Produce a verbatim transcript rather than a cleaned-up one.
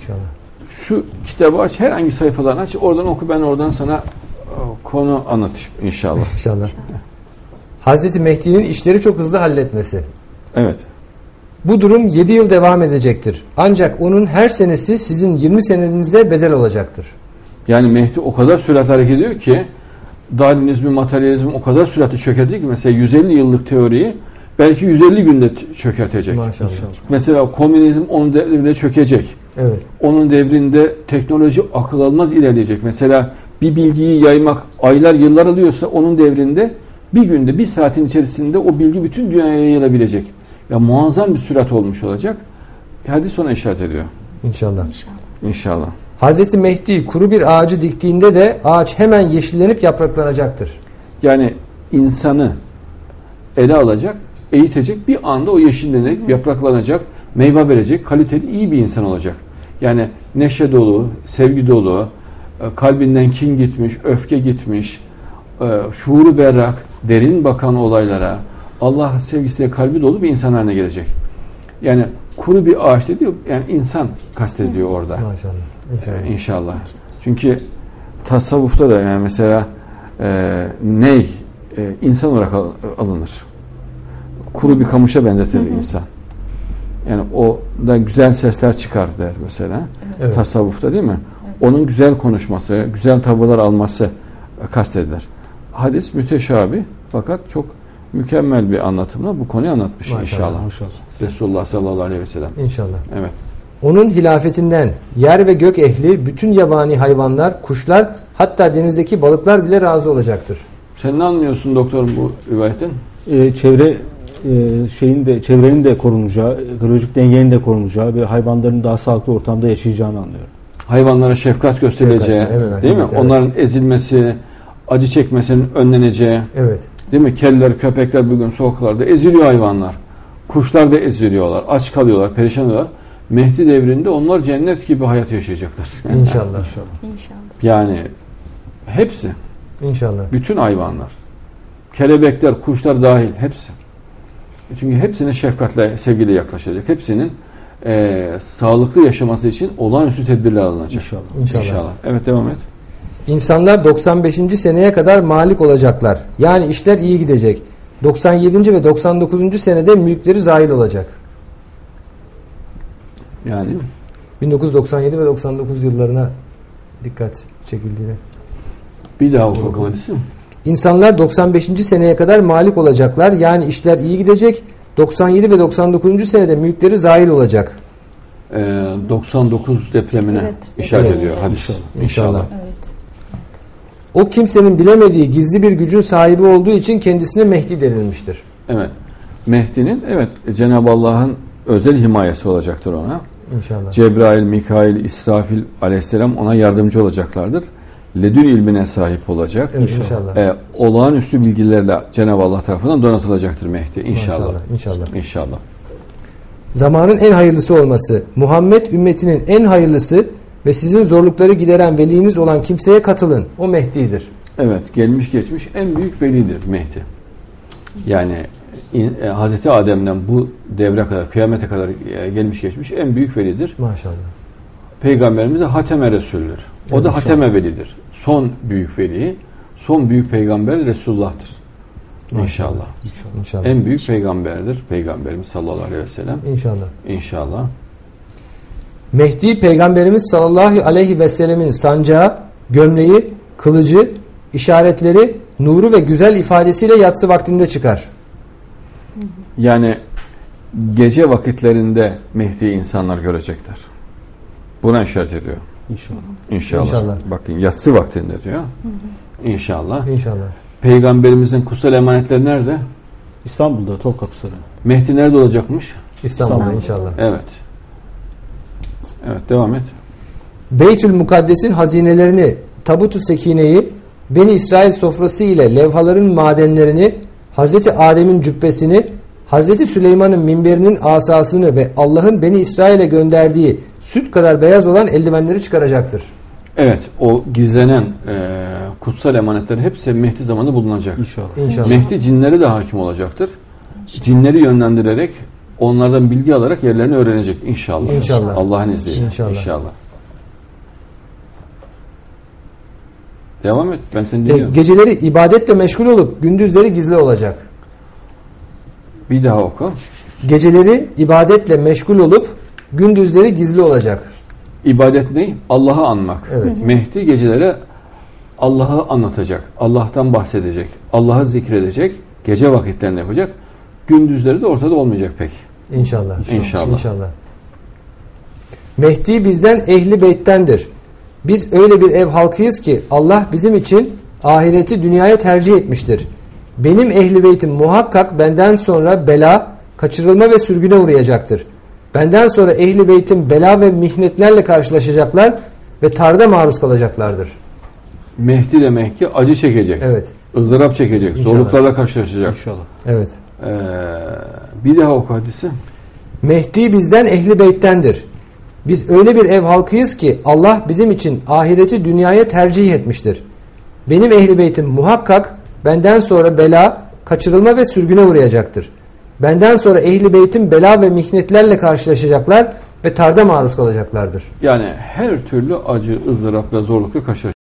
İnşallah. Şu kitabı aç, herhangi sayfalarını aç, oradan oku, ben oradan sana konu anlatayım inşallah. İnşallah. İnşallah. Hazreti Mehdi'nin işleri çok hızlı halletmesi. Evet. Bu durum yedi yıl devam edecektir. Ancak onun her senesi sizin yirmi senenize bedel olacaktır. Yani Mehdi o kadar sürat hareket ediyor ki Darwinizmi, materyalizmi o kadar süratli çökertecek ki mesela yüz elli yıllık teoriyi belki yüz elli günde çökertecek. Maşallah. Mesela komünizm onun devrinde çökecek. Evet. Onun devrinde teknoloji akıl almaz ilerleyecek. Mesela bir bilgiyi yaymak aylar yıllar alıyorsa onun devrinde bir günde, bir saatin içerisinde o bilgi bütün dünyaya yayılabilecek. Ya muazzam bir sürat olmuş olacak. Hadis ona işaret ediyor. İnşallah. İnşallah. İnşallah. Hazreti Mehdi kuru bir ağacı diktiğinde de ağaç hemen yeşillenip yapraklanacaktır. Yani insanı ele alacak, eğitecek, bir anda o yeşillenecek, hı hı. yapraklanacak, meyve verecek, kaliteli, iyi bir insan olacak. Yani neşe dolu, sevgi dolu, kalbinden kin gitmiş, öfke gitmiş, şuuru berrak, derin bakan olaylara, Allah sevgisiyle kalbi dolu bir insan haline gelecek. Yani kuru bir ağaç dediği, yani insan kastediyor orada. Maşallah. İnşallah. İnşallah. Çünkü tasavvufta da yani mesela e, ney e, insan olarak alınır. Kuru bir kamışa benzetilir insan. Yani o da güzel sesler çıkar der mesela. Evet. Tasavvufta değil mi? Evet. Onun güzel konuşması, güzel tavırlar alması kastedilir. Hadis müteşabih fakat çok mükemmel bir anlatımla bu konuyu anlatmış. Maşallah, inşallah. Maşallah. Resulullah sallallahu aleyhi ve sellem. İnşallah. Evet. Onun hilafetinden yer ve gök ehli, bütün yabani hayvanlar, kuşlar, hatta denizdeki balıklar bile razı olacaktır. Sen ne anlıyorsun doktorum bu rivayetten? Ee, çevre e, şeyin de çevrenin de korunacağı, ekolojik dengenin de korunacağı ve hayvanların daha sağlıklı ortamda yaşayacağını anlıyorum. Hayvanlara şefkat gösterileceği, evet, evet, değil evet, mi? Evet. Onların ezilmesi, acı çekmesinin önleneceği. Evet. Değil mi? Kediler, köpekler bugün sokaklarda eziliyor hayvanlar. Kuşlar da eziliyorlar, aç kalıyorlar, perişan oluyorlar. Mehdi devrinde onlar cennet gibi hayat yaşayacaklar. İnşallah. İnşallah. İnşallah. Yani hepsi. İnşallah. Bütün hayvanlar. Kelebekler, kuşlar dahil hepsi. Çünkü hepsine şefkatle, sevgiyle yaklaşacak. Hepsinin e, sağlıklı yaşaması için olağanüstü tedbirler alınacak. İnşallah. İnşallah. İnşallah. Evet, devam et. İnsanlar doksan beşinci seneye kadar malik olacaklar. Yani işler iyi gidecek. doksan yedinci ve doksan dokuzuncu senede mülkleri zahil olacak. Yani bin dokuz yüz doksan yedi ve doksan dokuz yıllarına dikkat çekildiğini. Bir daha oku bakalım. İnsanlar doksan beşinci seneye kadar malik olacaklar. Yani işler iyi gidecek. doksan yedi ve doksan dokuzuncu senede mülkleri zahil olacak. Ee, doksan dokuz depremine evet, işaret evet. ediyor hadis. İnşallah. İnşallah. Evet. O kimsenin bilemediği gizli bir gücün sahibi olduğu için kendisine Mehdi denilmiştir. Evet. Mehdi'nin evet Cenab-ı Allah'ın özel himayesi olacaktır ona. İnşallah. Cebrail, Mikail, İsrafil aleyhisselam ona yardımcı olacaklardır. Ledün ilmine sahip olacak. Evet, inşallah. Ee, olağanüstü bilgilerle Cenab-ı Allah tarafından donatılacaktır Mehdi. İnşallah. İnşallah. İnşallah. İnşallah. Zamanın en hayırlısı olması, Muhammed ümmetinin en hayırlısı ve sizin zorlukları gideren veliniz olan kimseye katılın. O Mehdi'dir. Evet, gelmiş geçmiş en büyük velidir Mehdi. Yani in, e, Hazreti Adem'den bu devre kadar, kıyamete kadar e, gelmiş geçmiş en büyük velidir. Maşallah. Peygamberimiz de Hateme Resul'dür. O da Hateme velidir. Son büyük veli, son büyük peygamber Resulullah'tır. İnşallah. İnşallah. İnşallah. En büyük peygamberdir Peygamberimiz sallallahu aleyhi ve sellem. İnşallah. İnşallah. Mehdi Peygamberimiz sallallahu aleyhi ve sellemin sancağı, gömleği, kılıcı, işaretleri, nuru ve güzel ifadesiyle yatsı vaktinde çıkar. Yani gece vakitlerinde Mehdi'yi insanlar görecekler. Buna işaret ediyor. İnşallah. İnşallah. İnşallah. Bakın yatsı vaktinde diyor. Hı hı. İnşallah. İnşallah. Peygamberimizin kutsal emanetleri nerede? İstanbul'da, Topkapı Sarayı. Mehdi nerede olacakmış? İstanbul'da İstanbul. inşallah. Evet. Evet, devam et. Beytül Mukaddes'in hazinelerini, Tabut-u Sekine'yi, Beni İsrail sofrası ile levhaların madenlerini, Hazreti Adem'in cübbesini, Hazreti Süleyman'ın minberinin asasını ve Allah'ın Beni İsrail'e gönderdiği süt kadar beyaz olan eldivenleri çıkaracaktır. Evet, o gizlenen e, kutsal emanetlerin hepsi Mehdi zamanında bulunacak. İnşallah. İnşallah. Mehdi cinlere de hakim olacaktır. Cinleri yönlendirerek onlardan bilgi alarak yerlerini öğrenecek inşallah. İnşallah. Allah'ın izniyle. İnşallah. İnşallah. Devam et. Ben seni E, dinliyorum. geceleri ibadetle meşgul olup gündüzleri gizli olacak. Bir daha oku. Geceleri ibadetle meşgul olup gündüzleri gizli olacak. İbadet ne? Allah'ı anmak. Evet. Mehdi gecelere Allah'ı anlatacak. Allah'tan bahsedecek. Allah'ı zikredecek. Gece vakitlerinde yapacak. Gündüzleri de ortada olmayacak pek. İnşallah. İnşallah. İnşallah. Mehdi bizden ehli beyttendir. Biz öyle bir ev halkıyız ki Allah bizim için ahireti dünyaya tercih etmiştir. Benim ehli beytim muhakkak benden sonra bela, kaçırılma ve sürgüne uğrayacaktır. Benden sonra ehli beytim bela ve mihnetlerle karşılaşacaklar ve tarda maruz kalacaklardır. Mehdi demek ki acı çekecek. Evet. ızdırap çekecek. İnşallah. Zorluklarla karşılaşacak. İnşallah. Evet. Ee, bir daha oku hadisi. Mehdi bizden ehli beyttendir. Biz öyle bir ev halkıyız ki Allah bizim için ahireti dünyaya tercih etmiştir. Benim ehli beytim muhakkak benden sonra bela, kaçırılma ve sürgüne uğrayacaktır. Benden sonra ehli beytim bela ve mihnetlerle karşılaşacaklar ve tarda maruz kalacaklardır. Yani her türlü acı, ızdırap ve zorlukla karşılaşacak.